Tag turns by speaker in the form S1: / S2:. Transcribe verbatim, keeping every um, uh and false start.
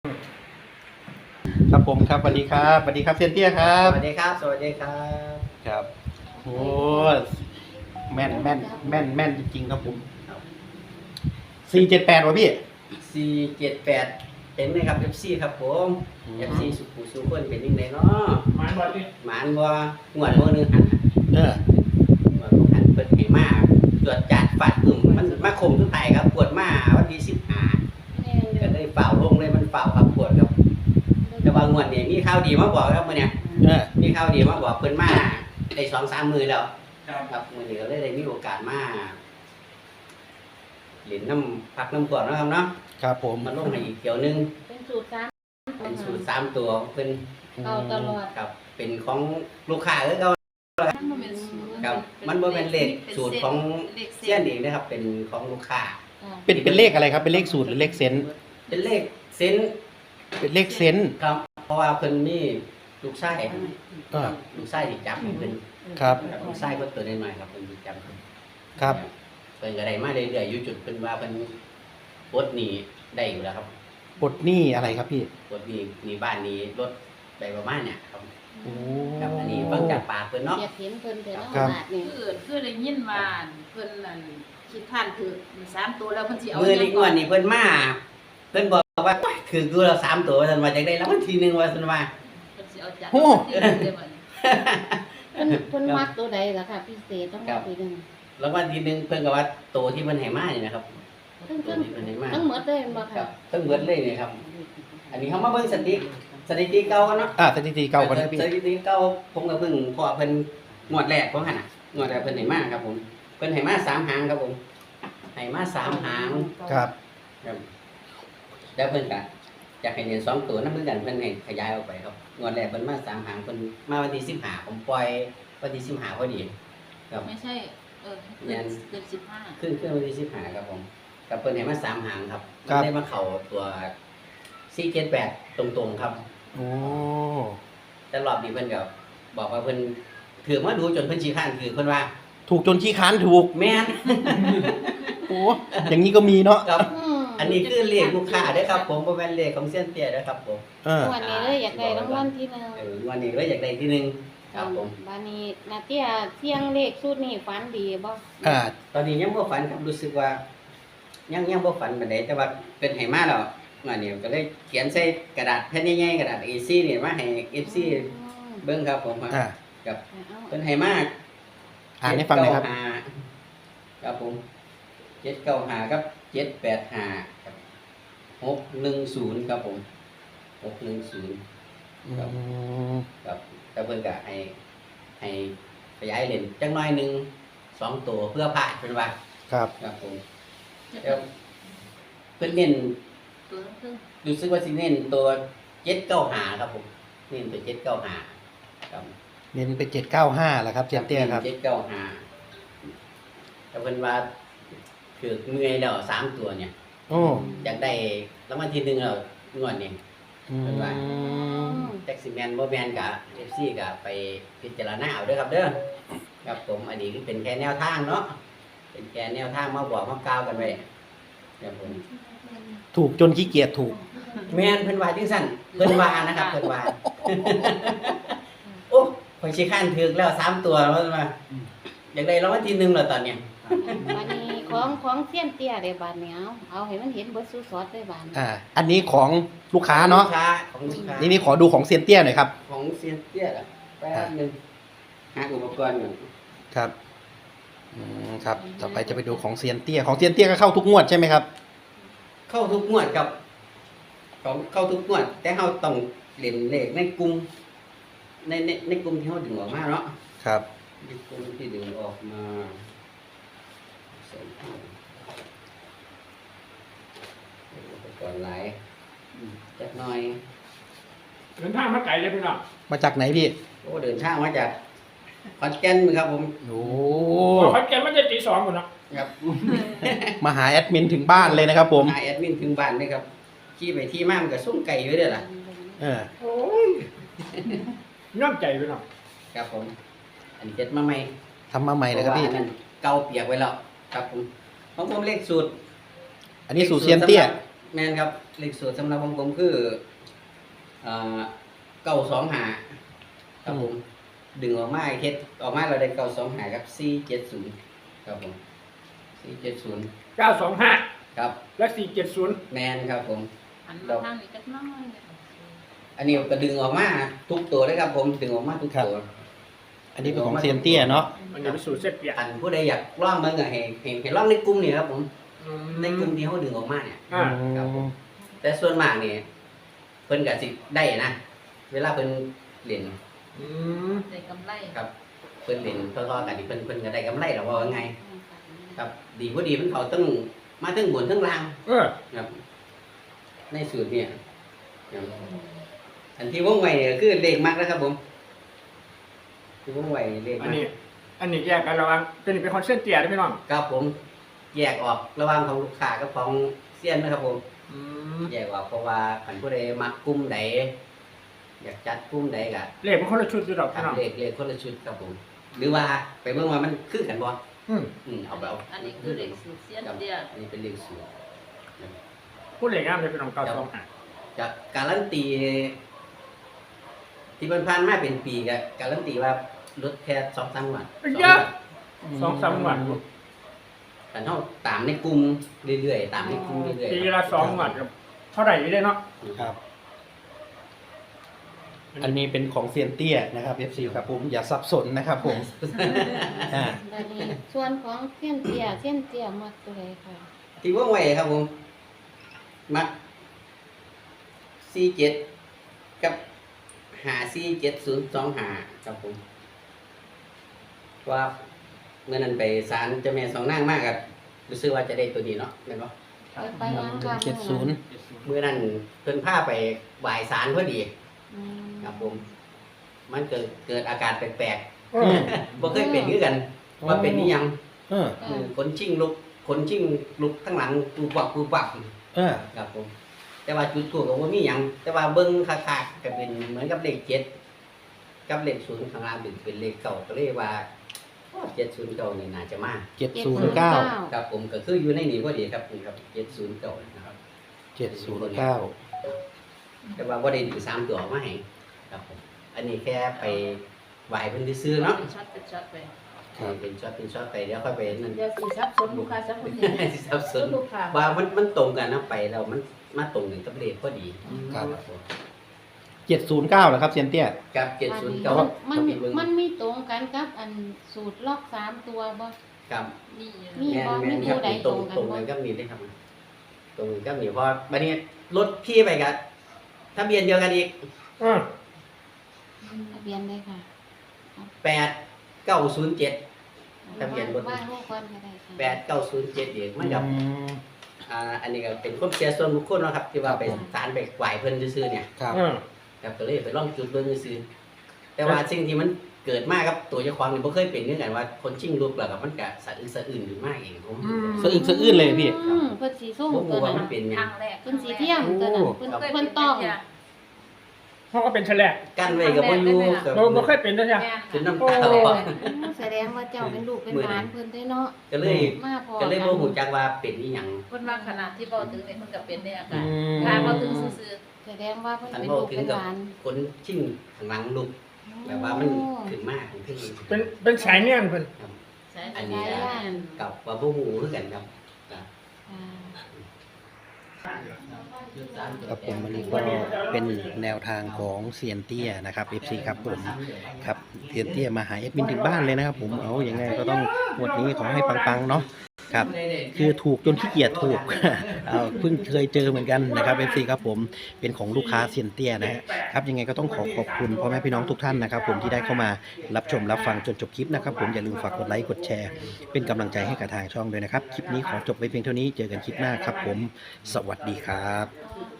S1: ครับผมครับสวัสดีครับสวัสดีครับเซียนเตี้ยครับ
S2: สวัสดีครับสวัสดีครับ
S1: ครับโอ้แม่นแม่นแม่นแม่นจริงๆครับผมสี่เจ็ดแปดวะพี่
S2: สี่เจ็ดแปดเป็นไหมครับ เอฟ ซี ครับผม
S1: อืม
S2: เอฟ ซี สุขุสุขคนเป็นยังไงเนาะ
S3: หมานบ่ดิ
S2: หมานบ่งวดมื้อนึงหัน
S1: เออ
S2: งวดบ่หันเพิ่นให้มาตรวจจัดฟาดกึ่มมันมาคมทุกไตครับปวดมาวันที่สิบห้าก็เลยเป่าลงเลยมันเป่าครับปวดครับแต่ว่างวดนี้มีข่าวดีมาบอกครับมื้อเนี้ย
S1: เออ
S2: มีข่าวดีมาบอกเพิ่นมาได้ สองสาม มื้อแล้ว
S3: ครับ
S2: ครับมื้อนี้ก็เลยได้มีโอกาสมาเล่นน้ำพักน้ำกวดเนาะครับเนาะ
S1: ครับผม
S2: มันลงให้อีกเกี่ยวหนึง
S4: เป็นสูตรสาม
S2: เป็นสูตรสามตัวเป็น
S4: เอาตลอด
S2: ครับเป็นของลูกค้าเออเขาครับมันบ่เป็นเลขสูตรของเสี้ยนเองนะครับ เป็นของลูกค้า
S1: เป็นเป็นเลขอะไรครับเป็นเลขสูตรหรือเลขเซนส์
S2: เป็นเลขเซนส์
S1: เป็นเลขเซนส์
S2: ครับ เพราะว่าเพิ่นมีลูกชาย
S1: อ่า
S2: ลูกชายที่จับให้เพิ่น
S1: ครับ
S2: ลูกชายเพิ่นตัวน้อยๆครับเพิ่นสิจับเพิ่น
S1: ครับ
S2: เพิ่นก็ได้มาเรื่อยๆอยู่จุดเพิ่นว่าเพิ่นปลดหนี้ได้อยู่แล้วครับ
S1: บทหนี้อะไรครับพี่
S2: ปลดหนี้หนี้บ้านหนี้รถไปประมาณเนี่ยครับ
S1: โอ้
S2: ครับอันนี้ฟังจากปากเพิ่นเนาะ
S4: อยากเห็นเพิ่นแต่ละ
S1: ครับ
S4: บาทนี่
S5: คือคือได้ยินว่าเพิ่นนั่นคิดท่านคือสามตัวแล้วเพิ่นสิเอา
S2: มือนี้งวดนี้เพิ่นมาเพิ่นบอกว่าคือดูเราสามตัวว่าซั่นว่าจังได้รางวัลที่หนึ่งว่าซั่นว่า
S5: เพิ่นสิเอาจัด
S1: โอ้
S5: ที่เดียวบัดนี้
S4: เพิ่นเพิ่นมักตัวใดล่ะค่ะพิเศษต้องมาปีหนึง
S2: รางวัลที่หนึ่งเพิ่นก็ว่าโตวที่เพิ่นให้มานี่นะครับ
S4: ทั้ง
S2: ตัว
S4: ทั้ง
S2: ที่เพิ่นให้มา
S4: ทั้งหมดเลยบ่
S2: ครั
S4: ค่ะ
S2: บทั้งเบิดเลยนี่ครับ อันนี้เฮามาเบิ่งสถิติสถิติเก่ากันเนาะ
S1: อ่าสถิติเก่ากันนะพี่
S2: สถิติเก่าผมก็เพิ่งพอเพิ่นงวดแรกของหั่นน่ะงวดแรกเพิ่นให้มาครับผมเพิ่นให้มาสามหางครับผมให้มาสามหาง
S1: ครับ
S2: ครับแล้วเพิ่นก็อยากให้เรียนสองตัวนำเพิ่นกันเพิ่นให้ขยายออกไปครับงวดแรกเพิ่นมาสามหางเพิ่นมาวันที่สิบห้าผมปล่อยวันที่สิบห้าพอดีครับ
S5: ไม่ใช่เออ
S2: แม่
S5: เกิน
S2: น
S5: เกินสิบห้า
S2: ขึ้นขึ้นวันที่สิบห้าครับผมกับเพิ่นให้มาสามหางครับ
S1: ครับ
S2: ได้มาเข้าตัวสี่เจ็ดแปดตรงๆครับ
S1: โอ้
S2: แต่รอบนี้เพิ่นก็บอกว่าเพิ่นถือมาดูจนเพิ่นชี้ข้านถือเพิ่นว่า
S1: ถูกจนขี้ค้านถูก
S2: แม่น
S1: โอ้อย่างนี้ก็มีเนาะ
S2: ครับ
S4: อืม
S2: อันนี้คือเลขลูกค้าเด้อครับผมบ่แม่นเลขของเซียนเตี้ยเด้อครับผม
S1: เออ
S4: วันนี้เลยอยากได้รางวัลที่หนึ่ง
S2: เออวันนี้เลยอยากได้ที่หนึ่งครับผม
S4: บัดนี้นาเตี้ยเที่ยงเลขสูตรนี้ฝันดีบ่
S1: อ่า
S2: ตอนนี้ยังบ่ฝันครับรู้สึกว่า ยังยังบ่ฝันปานใดแต่ว่าเพิ่นให้มาแล้ววันนี้ก็เลยเขียนใส่กระดาษแผ่นใหญ่ๆกระดาษ เอ สี่ นี่มาให้ เอฟ ซี เบิ่งครับผม
S1: อ่า
S2: กับ
S4: เอา
S2: เพิ่นให้มา
S1: อ่านให้ฟังหน่อยครับ
S2: เจ็ดเก้าห้าครับผมเจ็ดเก้าห้าครับเจ็ดแปดห้าครับหกหนึ่งศูนย์ครับผมหกหนึ่งศูนย์
S1: อืม
S2: ครับแต่เพิ่นก็ให้ให้ขยายเลนจังน้อยหนึงสองตัวเพื่อผ่านเพิ่นว่า
S1: ครับ
S2: ครับผมแล้วเพิ่นเน้น
S5: ตัวครึ่ง
S2: รู้สึกว่าสิเน้นตัวเจ็ดเก้าห้าครับผมเน้นตัวเจ็ดเก้าห้าครับ
S1: เน้นเป็นเจ็ดเก้าห้าแหละครับเซียนเตี้ยครับ
S2: เจ็ดเก้าห้าแต่เพิ่นว่าคือเมื่อยแล้วสามตัวเนี่ย
S1: โอ้
S2: อยากได้รางวัลที่หนึ่งแล้วงวดนี้
S1: อืม
S2: แท็กซี่แมนบ่แมนกับ เอฟ ซี ก็ไปพิจารณาเอาเด้อครับเด้อครับผมอันนี้คือเป็นแค่แนวทางเนาะเป็นแค่แนวทางมาบอกมากล่าวกันไว้ครับผม
S1: ถูกจนขี้เกียจถูก
S2: แม่นเพิ่นว่าจังซั่นเพิ่นว่านะครับเพิ่นว่า โอ้ข่อยสิค้านถึกแล้วสามตัวแล้วว่าอยากได้รางวัลที่หนึ่งแล้วตอนเนี้ย
S4: บัดนี้ของของเที่ยงเตี้ยได้บาดเหนียวเอาให้มันเห็นเบิดสู้สอดได้บาด
S1: อ่า อันนี้ของลูกค้าเนาะ
S2: ลูกค้าของลูกค้า
S1: นี่นี่ขอดูของเซียนเตี้ยหน่อยครับ
S2: ของเซียนเตี้ยล่ะแป๊บนึงหาอุปกรณ์ก่อน
S1: ครับ อืมครับ ต่อไปจะไปดูของเซียนเตี้ย ของเซียนเตี้ยก็เข้าทุกงวดใช่ไหมครับ
S2: เข้าทุกงวดครับของเข้าทุกงวด แต่เฮาต้องเล่นเลขในกลุ่มในในในกลุ่มที่เฮาดึงออกมาเนาะ
S1: ครับ
S2: ในกลุ่มที่ดึงออกมาใส่เข้าอุปกรณ์หลายอืมจักหน่อย
S3: เดินทางมาไกลเลยพี่น้อง
S1: มาจากไหนพี่
S2: โอ้เดินทางมาจากขอนแก่นครับผม
S1: โอ้
S3: ขอนแก่นมันจะตีสองหมดเนาะ
S2: ครับ
S1: มาหาแอดมินถึงบ้านเลยนะครับผม
S2: นายแอดมินถึงบ้านเลยครับขี่ไปที่มามันก็ส่งไก่อยู่เด้อล่ะ
S1: เออ
S3: โอ้ยน้ำใจพี่น้อง
S2: ครับผม อันนี้เจ็ดมาใหม่
S1: ทำมาใหม่เลยครับพี่
S2: พาะว่าอันนั้นเก่าเปียกไว้แล้วครับผมของผมเลขสูตร
S1: อันนี้สูตรเซียนเตี้ย
S2: คแม่นครับเลขสูตรสำหรับของผมคือเอ่อเก้าสองห้าครับผมดึงออกมาเฮ็ดออกมาเราได้เก้าสองห้าครับสี่เจ็ดศูนย์ครับผมสี่เจ็ดศูนย์
S3: เก้าสองห้า
S2: ครับ
S3: และสี่เจ็ดศูนย์
S2: แมนครับผม
S5: อันมาทางนี้จักหน้อยเนี่ย
S2: อันนี้ก็ดึงออกมาทุกตัวเลยครับผมดึงออกมาทุกตัว
S1: อันนี้เป็นของเซียนเตี้ยเนาะ
S3: มันจะเป็นสูตรเส้นเปียก
S2: อันผู้ใดอยากลองเบิ่งก็ให้ให้ให้ลองในกลุ่มนี่ครับผมในกลุ่มที่เขาดึงออกมาเนี่ย
S3: อ่า
S2: ครับผม แต่ส่วนมากนี่เพิ่นก็สิได้นะเวลาเพิ่นเล่น
S3: อืม
S5: ได้กำไร
S2: ครับเพิ่นเล่นทอๆกันนี่เพิ่นเพิ่นก็ได้กำไรแล้วว่าไงครับดีบ่ดีมันเขาต้องมาทั้งบนทั้งล่าง
S3: เออ
S2: ครับในสูตรเนี่ยครับอันที่วงไว้เนี่ยคือเลขมักนะครับผมที่วงไว้เลข
S3: อัน
S2: มัก
S3: นี้ อันนี้แยกกันระหว่างตัวนี้เป็นคอนเส้นเตียได้ไหมน้อง
S2: ครับผมแยกออกระหว่างของลูกค้ากับของเซียนนะครับผม
S3: อืม
S2: แยกออกเพราะว่าขันผู้ใดมักกลุ่มใดอยากจัดกลุ่มใดก็
S3: เลขมันคนละชุดอยู่ดอก
S2: ทำ
S3: พี่น้อง
S2: เลขเลขคนละชุดครับผม หรือว่าไปเบิ่งว่ามันคือกันบ่
S3: อืม
S2: อืมเอาไปเอา
S5: อันนี้คือเลขสูตรเสี้ยน
S2: ครับ
S5: เตี้ย
S2: อันนี้เป็นเลขสูตร
S3: พูดเลขงามเลยพี่น้องเก้าสองห้า
S2: จากการันตี ที่ผ่านๆมาเป็นปีก็การันตีว่าลดแค่สองสามวัน
S3: เยอะสองสามวัน
S2: แต่เท่าตามในกลุ่มเรื่อยๆตามในกลุ่มเรื่อยๆ
S3: ปีละสองวันกับเท่าไหร่อยู่ได้เนาะ
S1: ครับ อันนี้เป็นของเซียนเตี้ยนะครับ เอฟ ซี ครับผมอย่าสับสนนะครับผมอ่า
S4: บัดนี้ส่วนของเส้นเตี้ยเส้นเตี้ยมักตัวใดค่ะ
S2: ที่ว่องไวครับผม มักสี่เจ็ดกับหาสี่เจ็ดศูนย์สองหาครับผมว่าเมื่อนั้นไปศาลเจ้าแม่สองนางมากครับรู้สึกว่าจะได้ตัวนี้เนาะเห็นปะ
S4: ไปไปยังค่ะ
S1: เจ็ดศูนย์
S2: เมื่อนั้นเพิ่นพาไปไหว้ศาลพอดี
S4: อืม
S2: ครับผม มันเกิดเกิดอาการแปลก
S3: เออ
S2: ๆบ่เคยเป็นคือกันว่าเป็นนี่ยัง
S1: เออ
S2: เออขนชิงลุกขนชิงลุกทั้งหลังปูปักปูปัก
S1: เออ
S2: ครับผม แต่ว่าจุดถูกก็บ่มีหยังแต่ว่าเบิ่งคักๆก็เป็นเหมือนกับเลขเจ็ดกับเลขศูนย์ข้างล่างเป็นเป็นเลขเก่าก็เลยว่าเจ็ดศูนย์เก่านี่น่าจะมา
S1: เจ็ดศูนย์เก้า
S2: ครับผมก็คืออยู่ในนี้พอดีครับนี่ครับเจ็ดศูนย์เก่านะครับ
S1: เจ็ดศูนย์เก้า
S2: แต่ว่าบ่ได้ดึงสามตัวออกมาให้ครับผมอันนี้แค่ไปไหว้เพิ่นซื้อๆเนาะ
S5: เป็นช็อตเป็นช็อตไป
S2: เป็นช็อตเป็นช็อตไปเดี๋ยวค่อยไปนั่น
S5: เดี๋ยวสิซับซ้อนลูกค้าซับคนอื่น
S2: สิสับสน
S5: ลูกค้า
S2: ว่ามันมันตรงกันนะไปแล้วมันมาตรงกันกับเลขพอดี
S1: ครับ
S2: ผม
S1: เจ็ดศูนย์เก้าเหรอครับเซียนเตี้ย
S2: กับเจ็ดศูนย์เก้า
S4: มัน
S2: กับอีกเบิ่ง
S4: มันมีตรงกันกับอันสูตรลอกสามตัวบ่
S2: กับ
S5: นี่
S4: มี
S2: แม่น
S4: บ่
S2: แม่น
S4: มี
S2: ครับ
S4: ตัวใด
S2: ตรง
S4: ต
S2: ต
S4: ร
S2: รง ง
S4: กั
S2: กัน น
S4: บ่
S2: ก็มีได้ครับตรงกันก็มีเพราะบัดนี้รถพี่ไปกันทะเบียนเดียวกันอีก
S3: เออ
S4: ทะเบียนเลยค่ะ
S2: แปดเก้าศูนย์เจ็ด ทะเบียนรถ
S4: ว่างให้ก่อนก็ได้ค่ะ
S2: แปดเก้าศูนย์เจ็ดอีกมันกับ
S1: อืม
S2: อ่าอันนี้ก็เป็นความเชื่อส่วนบุคคลเนาะครับที่ว่าไปศาลไปไหว้เพิ่นซื่อๆเนี่ย
S1: ครับ
S3: เออ
S2: ครับก็เลยไปลองจุดเบิ่งซื่อๆแต่ว่าสิ่งที่มันเกิดมากับตัวเจ้าของนี่บ่เคยเป็นคือกันว่าคนชิงลูกแล้วก็มันก็สะอึกสะอื้นอยู่มากเองผม
S1: สะอึกสะอื้นเลยพี่
S4: อืมเพิ่นสีส้ม
S2: บ่
S4: ตัว
S2: รู้ว่า
S4: นั้
S2: มัน นเป็นห
S5: ค
S2: ยั
S5: รั้
S2: ง
S5: งแรก
S4: เพิ่นสีเทียมตัวนั้นเพิ่น
S5: เคย
S4: เพิ่น
S5: เป็น
S4: ต้อง
S5: เตี้ย
S3: เพราะก็เป็นแฉลก
S2: กั้นไว้ก็บ่อยู่ก็
S3: เราไม่เคยเป็นนะจ๊ะ
S5: แม่น
S2: จน
S5: ค่ะ
S2: น้ำตาออก
S4: อืมแสดงว่าเจ้าเป็นลูกเป็นหลานเพิ่นได้เนาะ
S2: ก็เลย
S4: มาพอ
S2: ก็เลยบ่ฮู้จักว่าเป็นอีหยัง
S5: เพิ่นว่าขนาดที่เว้าถึงนี่มันก็เป็นได้อา
S1: อื
S5: การ
S1: ม
S5: การเว้าถึงซื่อ
S4: แสดงว่าเพิ่น
S2: อัน
S4: เป็น
S2: บ่
S4: ลูก
S2: ถึง
S4: เป็น
S2: กับ
S4: หลาน
S2: คนชิงข้างหลังลูกแบบว่ามันขึ้นมากขึ้น
S3: เป็นเป็นสายเนียนเพิ่น
S5: ๆใช่
S2: อัน
S5: ใช่
S2: นี้
S5: ย่าน
S2: กับว่าบ่ฮู้คือกันครับ
S4: อ่า
S1: ครับผมวันนี้ก็เป็นแนวทางของเซียนเตี้ยนะครับ เอฟ ซี ครับผมครับเซียนเตี้ยมาหาเอดมินถึงบ้านเลยนะครับผมเอาอย่างไงก็ต้องงวดนี้ขอให้ปังๆเนาะครับคือถูกจนขี้เกียจถูก เอาเพิ่งเคยเจอเหมือนกันนะครับ เอฟ ซี ครับผมเป็นของลูกค้าเซียนเตี้ยนะฮะครับยังไงก็ต้องขอขอบคุณพ่อแม่พี่น้องทุกท่านนะครับผมที่ได้เข้ามารับชมรับฟังจนจบคลิปนะครับผมอย่าลืมฝากกดไลค์กดแชร์เป็นกำลังใจให้กับทางช่องด้วยนะครับคลิปนี้ขอจบไว้เพียงเท่านี้เจอกันคลิปหน้าครับผมสวัสดีครับ
S5: คือ